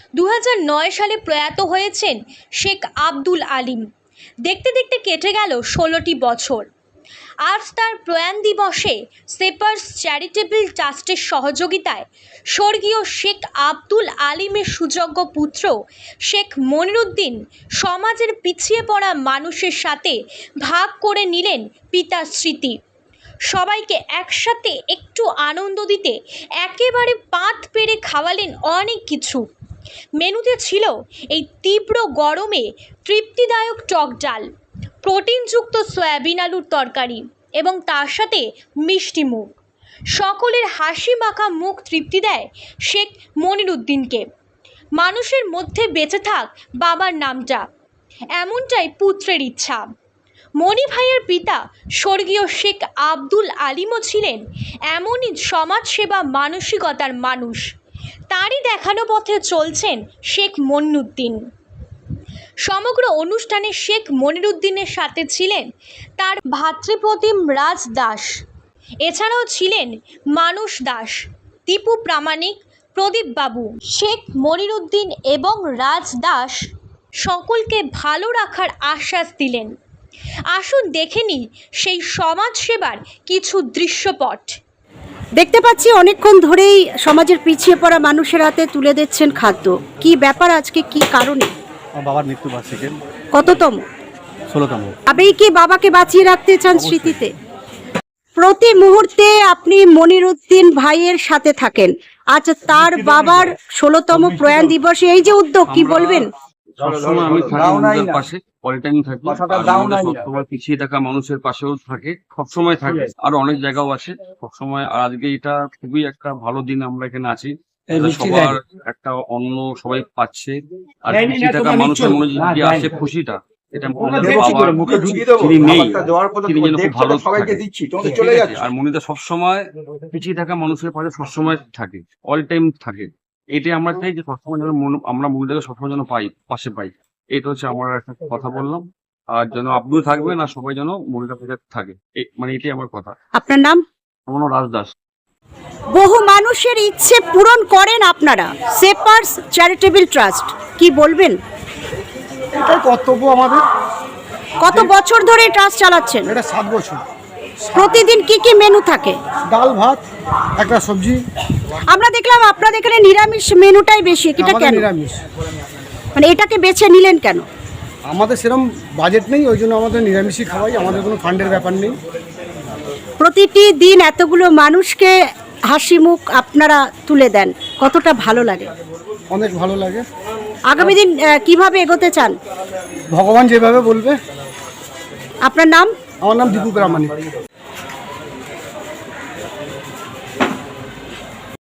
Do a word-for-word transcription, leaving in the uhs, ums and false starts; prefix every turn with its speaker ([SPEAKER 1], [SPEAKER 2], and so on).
[SPEAKER 1] দু হাজার নয় সালে প্রয়াত হয়েছেন শেখ আব্দুল আলিম। দেখতে দেখতে কেটে গেল ষোলোটি বছর। আজ তার প্রয়াণ দিবসে সেপার্স চ্যারিটেবল ট্রাস্টের সহযোগিতায় স্বর্গীয় শেখ আব্দুল আলিমের সুযোগ্য পুত্র শেখ মনিরুদ্দিন সমাজের পিছিয়ে পড়া মানুষের সাথে ভাগ করে নিলেন পিতার স্মৃতি। সবাইকে একসাথে একটু আনন্দ দিতে একেবারে পাত পেরে খাওয়ালেন অনেক কিছু। মেনুতে ছিল এই তীব্র গরমে তৃপ্তিদায়ক টক ডাল, প্রোটিনযুক্ত সয়াবিন আলুর তরকারি এবং তার সাথে মিষ্টি মুখ। সকলের হাসি মাখা মুখ তৃপ্তি দেয় শেখ মনিরুদ্দিনকে। মানুষের মধ্যে বেঁচে থাক বাবার নামটা, এমনটাই পুত্রের ইচ্ছা। মনি ভাইয়ের পিতা স্বর্গীয় শেখ আব্দুল আলিমও ছিলেন এমনই সমাজসেবা মানসিকতার মানুষ। তারই দেখানো পথে চলছেন শেখ মনিরুদ্দিন। সমগ্র অনুষ্ঠানে শেখ মনিরুদ্দিনের সাথে ছিলেন তার ভাতৃপ্রতিম রাজ দাস, এছাড়াও ছিলেন মানুষ দাস, দীপু প্রামাণিক, প্রদীপ বাবু। শেখ মনিরুদ্দিন এবং রাজ দাস সকলকে ভালো রাখার আশ্বাস দিলেন। আসুন দেখে নিই সেই সমাজসেবার কিছু দৃশ্যপট।
[SPEAKER 2] দেখতে পাচ্ছি অনেকক্ষণ ধরেই সমাজের পিছিয়ে পড়া মানুষের হাতে তুলে দিচ্ছেন খাদ্য। কি ব্যাপার আজকে, কি কারণে?
[SPEAKER 3] আমার বাবার মৃত্যু বার্ষিকী।
[SPEAKER 2] কততম?
[SPEAKER 3] ষোলোতম।
[SPEAKER 2] আবেই কি বাবাকে বাঁচিয়ে রাখতে চান স্মৃতিতে? প্রতি মুহূর্তে আপনি মনিরুদ্দিন ভাইয়ের সাথে থাকেন। আজ তার বাবার ষোলোতম প্রয়াণ দিবসে এই যে উদ্যোগ, কি বলবেন?
[SPEAKER 4] সবসময় আমি থাকি ওদের পাশে, পলিটাইম থাকি, সবসময় পিছিয়ে থাকা মানুষের পাশেও থাকে, সবসময় থাকে। আর অনেক জায়গাও আছে সবসময়। আর আজকে এটা খুবই একটা ভালো দিন, আমরা এখানে আছি, সবার একটা অন্ন সবাই পাচ্ছে। আর পিছিয়ে থাকা মানুষের মনে যে আছে খুশিটা, এটা তিনি নেই, তিনি যেন খুব ভালো থাকে। আর মনিদা সবসময় পিছিয়ে থাকা মানুষের পাশে সবসময় থাকে, অল টাইম থাকে। এটাই আমরা চাই যে সবসময় যেন আমরা মনিদাকে সবসময় যেন পাই, পাশে পাই। এটা হচ্ছে আমার একটা কথা বললাম। আর যেন আব্দুল থাকবেন আর সবাই যেন মনিদার পাশে থাকে, মানে এটাই আমার কথা।
[SPEAKER 2] আপনার নাম?
[SPEAKER 4] আমার নাম রাজ দাস।
[SPEAKER 2] বহু মানুষের ইচ্ছে পূরণ করেন আপনারা, সেপার্স চ্যারিটেবল ট্রাস্ট, কি বলবেন?
[SPEAKER 3] এটাই কর্তব্য আমাদের।
[SPEAKER 2] কত বছর ধরে ট্রাস্ট চালাচ্ছেন?
[SPEAKER 3] এটা সাত বছর।
[SPEAKER 2] প্রতিদিন কি কি মেনু থাকে?
[SPEAKER 3] ডাল ভাত, একটা সবজি।
[SPEAKER 2] আমরা দেখলাম আপনাদের এখানে নিরামিষ মেনুটাই বেশি, এটা
[SPEAKER 3] আমাদের
[SPEAKER 2] কেন?
[SPEAKER 3] নিরামিষ।
[SPEAKER 2] মানে এটাকে বেছে নিলেন কেন?
[SPEAKER 3] আমাদের সেরকম বাজেট নেই, ওই জন্য আমাদের নিরামিষই খাওয়াই, আমাদের কোনো ফান্ডের ব্যাপার নেই।
[SPEAKER 2] প্রতিটি দিন এতগুলো মানুষকে হাসি মুখ আপনারা তুলে দেন, কতটা ভালো লাগে?
[SPEAKER 3] অনেক ভালো লাগে।
[SPEAKER 2] আগামী দিন আহ, কিভাবে এগোতে চান?
[SPEAKER 3] ভগবান যেভাবে বলবে।
[SPEAKER 2] আপনার নাম?
[SPEAKER 3] আমার নাম দীপু প্রামাণিক।